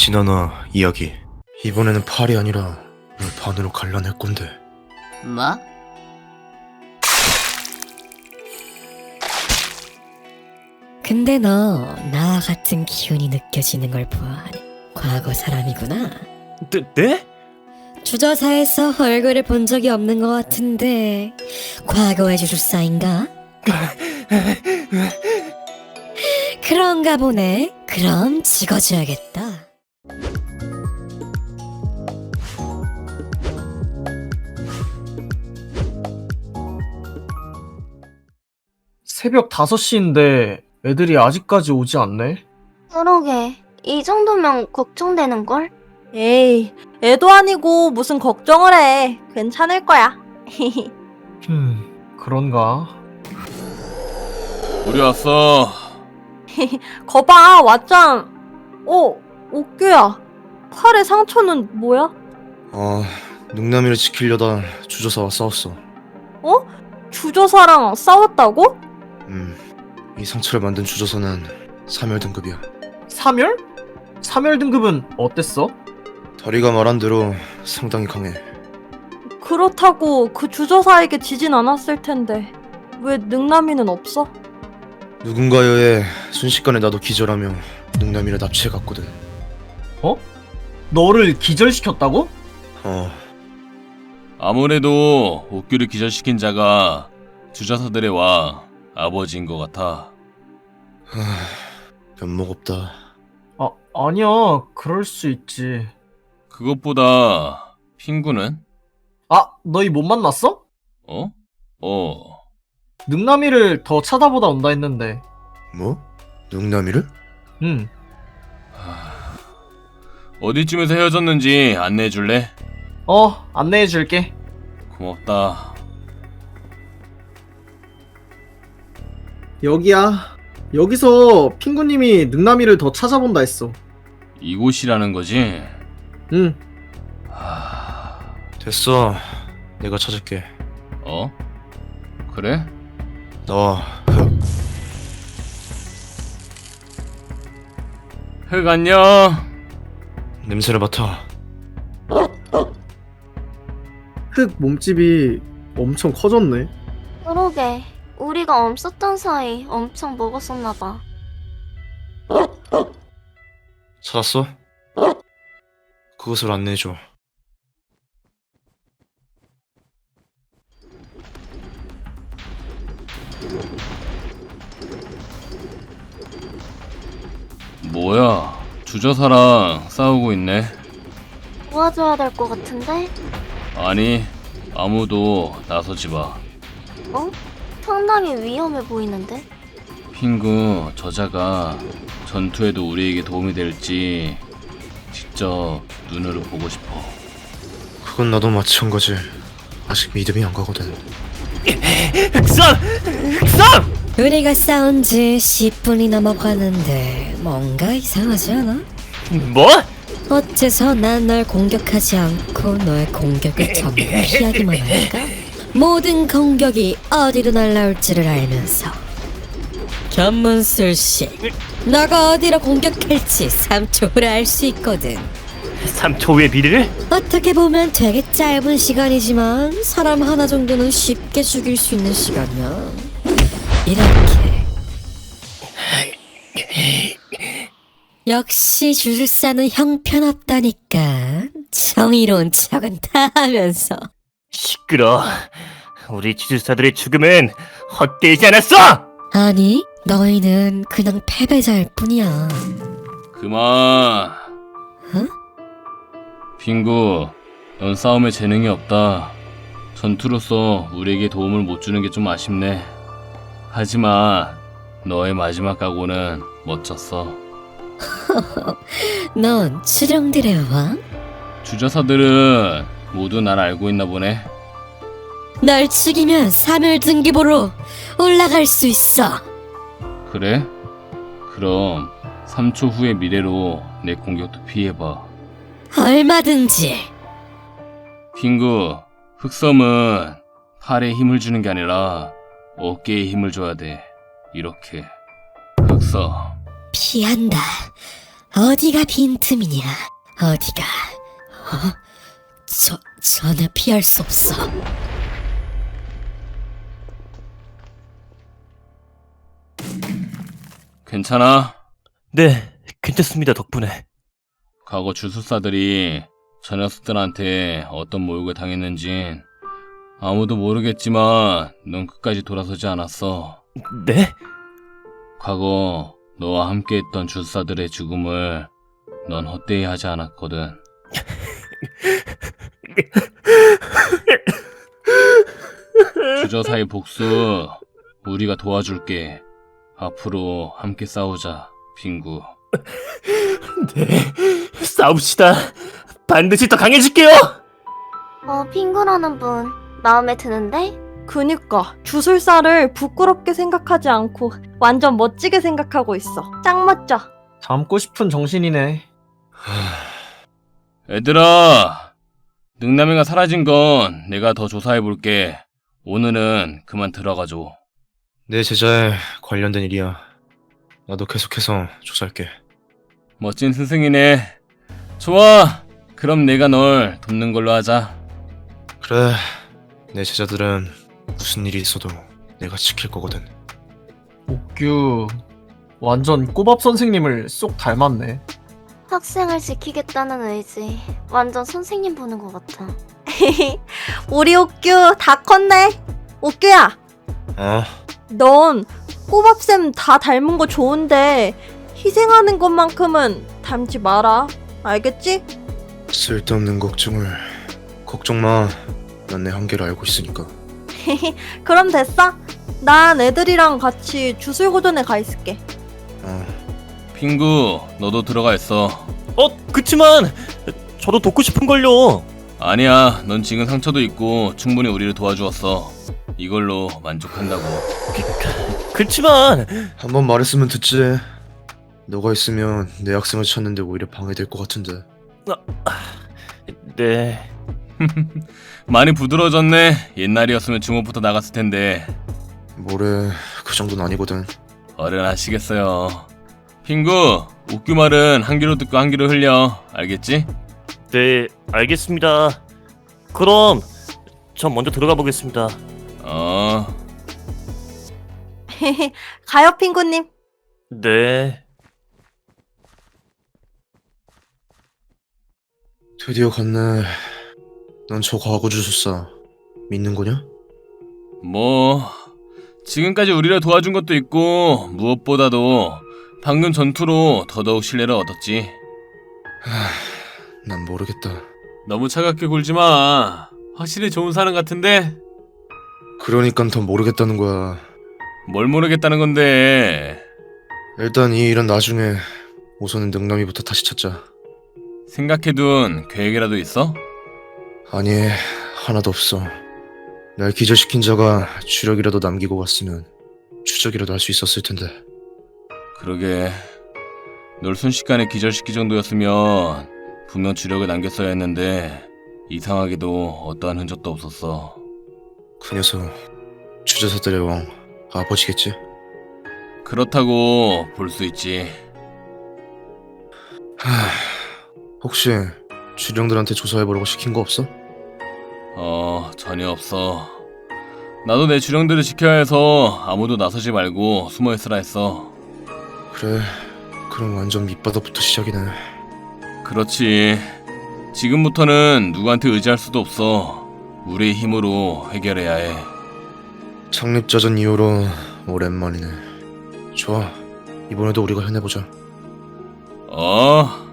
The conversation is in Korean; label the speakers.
Speaker 1: 진아나 이야기. 이번에는 팔이 아니라 널 반으로 갈라낼 건데.
Speaker 2: 뭐?
Speaker 3: 근데 너 나와 같은 기운이 느껴지는 걸 보아하니 과거 사람이구나.
Speaker 4: 네?
Speaker 3: 주저사에서 얼굴을 본 적이 없는 것 같은데 과거의 주술사인가? 그런가 보네. 그럼 찍어줘야겠다.
Speaker 4: 새벽 5시인데 애들이 아직까지 오지 않네?
Speaker 5: 그러게, 이 정도면 걱정되는걸?
Speaker 6: 에이, 애도 아니고 무슨 걱정을 해. 괜찮을 거야.
Speaker 4: 그런가?
Speaker 7: 우리 왔어.
Speaker 6: 거봐, 왔잖. 어깨야. 팔에 상처는 뭐야?
Speaker 1: 능남이를 지키려다 주저사와 싸웠어.
Speaker 6: 주저사랑 싸웠다고?
Speaker 1: 이 상처를 만든 주저사는 3열 등급이야.
Speaker 4: 3열? 3열 등급은 어땠어?
Speaker 1: 다리가 말한 대로 상당히 강해.
Speaker 6: 그렇다고 그 주저사에게 지진 않았을 텐데 왜 능남이는 없어?
Speaker 1: 누군가에 의해 순식간에 나도 기절하며 능남이를 납치해갔거든.
Speaker 4: 너를 기절시켰다고?
Speaker 7: 아무래도 옥규를 기절시킨 자가 주저사들의 왕 아버지인 것 같아.
Speaker 1: 면목 없다.
Speaker 4: 아니야. 그럴 수 있지.
Speaker 7: 그것보다 핑구는?
Speaker 4: 너희 못 만났어?
Speaker 7: 어?
Speaker 4: 능남이를 더 찾아보다 온다 했는데.
Speaker 1: 뭐? 능남이를?
Speaker 4: 응.
Speaker 7: 어디쯤에서 헤어졌는지 안내해줄래?
Speaker 4: 안내해줄게.
Speaker 7: 고맙다.
Speaker 4: 여기야. 여기서 핑구님이 능남이를 더 찾아본다 했어.
Speaker 7: 이곳이라는 거지?
Speaker 4: 응.
Speaker 1: 됐어. 내가 찾을게.
Speaker 7: 그래?
Speaker 1: 나와, 흑.
Speaker 7: 흑 안녕.
Speaker 1: 냄새를 맡아.
Speaker 4: 흑 몸집이 엄청 커졌네.
Speaker 5: 그러게, 우리가 없었던 사이 엄청 먹었었나봐.
Speaker 1: 찾았어? 그것을 안내해줘.
Speaker 7: 뭐야? 주저사랑 싸우고 있네.
Speaker 5: 도와줘야 될 것 같은데?
Speaker 7: 아니, 아무도 나서지 마.
Speaker 5: 상당히 위험해 보이는데?
Speaker 7: 핑구, 저자가 전투에도 우리에게 도움이 될지 직접 눈으로 보고 싶어.
Speaker 1: 그건 나도 마찬가지. 아직 믿음이 안 가거든.
Speaker 4: 흑삼!
Speaker 3: 우리가 싸운 지 10분이 넘어가는데 뭔가 이상하지 않아?
Speaker 4: 뭐?
Speaker 3: 어째서 난 널 공격하지 않고 너의 공격을 전부 피하기만 할까? 모든 공격이 어디로 날라올지를 알면서 전문 술식 너가 어디로 공격할지 3초 후에 알 수 있거든.
Speaker 4: 3초 후의 미래를?
Speaker 3: 어떻게 보면 되게 짧은 시간이지만 사람 하나 정도는 쉽게 죽일 수 있는 시간이야. 이렇게 역시 주술사는 형편없다니까. 정의로운 척은 다 하면서.
Speaker 8: 시끄러. 우리 주술사들의 죽음은 헛되지 않았어!
Speaker 3: 아니, 너희는 그냥 패배자일 뿐이야.
Speaker 7: 그만.
Speaker 3: 응?
Speaker 7: 핑구, 넌 싸움에 재능이 없다. 전투로서 우리에게 도움을 못 주는 게 좀 아쉽네. 하지만 너의 마지막 각오는 멋졌어.
Speaker 3: 넌 추령들의 왕?
Speaker 7: 주저사들은 모두 날 알고 있나 보네.
Speaker 3: 널 죽이면 3일 등급으로 올라갈 수 있어.
Speaker 7: 그래? 그럼 3초 후의 미래로 내 공격도 피해봐.
Speaker 3: 얼마든지.
Speaker 7: 핑구, 흑섬은 팔에 힘을 주는 게 아니라 어깨에 힘을 줘야 돼. 이렇게. 흑섬.
Speaker 3: 피한다. 어디가 빈틈이냐? 어디가? 전혀 피할 수 없어.
Speaker 7: 괜찮아?
Speaker 8: 네, 괜찮습니다, 덕분에.
Speaker 7: 과거 주술사들이 저 녀석들한테 어떤 모욕을 당했는진 아무도 모르겠지만 넌 끝까지 돌아서지 않았어.
Speaker 8: 네?
Speaker 7: 과거 너와 함께했던 주술사들의 죽음을 넌 헛되이 하지 않았거든. 주저사의 복수 우리가 도와줄게. 앞으로 함께 싸우자, 빙구.
Speaker 8: 네, 싸웁시다. 반드시 더 강해질게요!
Speaker 5: 핑구라는 분 마음에 드는데?
Speaker 6: 그니까 주술사를 부끄럽게 생각하지 않고 완전 멋지게 생각하고 있어. 짱 멋져.
Speaker 4: 닮고 싶은 정신이네.
Speaker 7: 얘들아, 능남이가 사라진 건 내가 더 조사해볼게. 오늘은 그만 들어가줘.
Speaker 1: 내 제자에 관련된 일이야. 나도 계속해서 조사할게.
Speaker 7: 멋진 스승이네. 좋아, 그럼 내가 널 돕는 걸로 하자.
Speaker 1: 그래, 내 제자들은 무슨 일이 있어도 내가 지킬 거거든.
Speaker 4: 옥규 완전 꼬밥 선생님을 쏙 닮았네.
Speaker 5: 학생을 지키겠다는 의지 완전 선생님 보는 것 같아.
Speaker 6: 우리 옥규 다 컸네. 옥규야, 넌 꼬밥쌤 다 닮은 거 좋은데 희생하는 것만큼은 닮지 마라. 알겠지?
Speaker 1: 쓸데없는 걱정을. 걱정 마. 난 내 한계를 알고 있으니까.
Speaker 6: 그럼 됐어. 난 애들이랑 같이 주술고전에 가 있을게.
Speaker 7: 핑구, 너도 들어가 있어.
Speaker 8: 그치만 저도 돕고 싶은걸요.
Speaker 7: 아니야, 넌 지금 상처도 있고 충분히 우리를 도와주었어. 이걸로 만족한다고.
Speaker 8: 그치만
Speaker 1: 한 번 말했으면 듣지. 너가 있으면 내 학생을 찾는데 오히려 방해될 것 같은데.
Speaker 8: 네,
Speaker 7: 많이 부드러워졌네. 옛날이었으면 주먹부터 나갔을 텐데.
Speaker 1: 뭐래, 그 정도는 아니거든.
Speaker 7: 어련하시겠어요. 핑구, 옥규 말은 한 귀로 듣고 한 귀로 흘려. 알겠지?
Speaker 8: 네, 알겠습니다. 그럼 전 먼저 들어가 보겠습니다.
Speaker 6: 가요, 핑구님.
Speaker 8: 네.
Speaker 1: 드디어 갔네. 넌 저 과거 주술사 믿는 거냐?
Speaker 7: 뭐 지금까지 우리를 도와준 것도 있고 무엇보다도 방금 전투로 더더욱 신뢰를 얻었지.
Speaker 1: 난 모르겠다.
Speaker 7: 너무 차갑게 굴지 마. 확실히 좋은 사람 같은데?
Speaker 1: 그러니까 더 모르겠다는 거야.
Speaker 7: 뭘 모르겠다는 건데.
Speaker 1: 일단 이 일은 나중에. 우선은 능남이부터 다시 찾자.
Speaker 7: 생각해둔 계획이라도 있어?
Speaker 1: 아니, 하나도 없어. 날 기절시킨 자가 주력이라도 남기고 갔으면 추적이라도 할 수 있었을 텐데.
Speaker 7: 그러게, 널 순식간에 기절시킬 정도였으면 분명 주력을 남겼어야 했는데 이상하게도 어떠한 흔적도 없었어.
Speaker 1: 그 녀석 주저사들의 왕 아버지겠지?
Speaker 7: 그렇다고 볼 수 있지.
Speaker 1: 혹시 주령들한테 조사해보라고 시킨 거 없어?
Speaker 7: 전혀 없어. 나도 내 주령들을 지켜야 해서 아무도 나서지 말고 숨어있으라 했어.
Speaker 1: 그래, 그럼 완전 밑바닥부터 시작이네.
Speaker 7: 그렇지. 지금부터는 누구한테 의지할 수도 없어. 우리의 힘으로 해결해야 해.
Speaker 1: 창립자전 이후로 오랜만이네. 좋아, 이번에도 우리가 해내보자.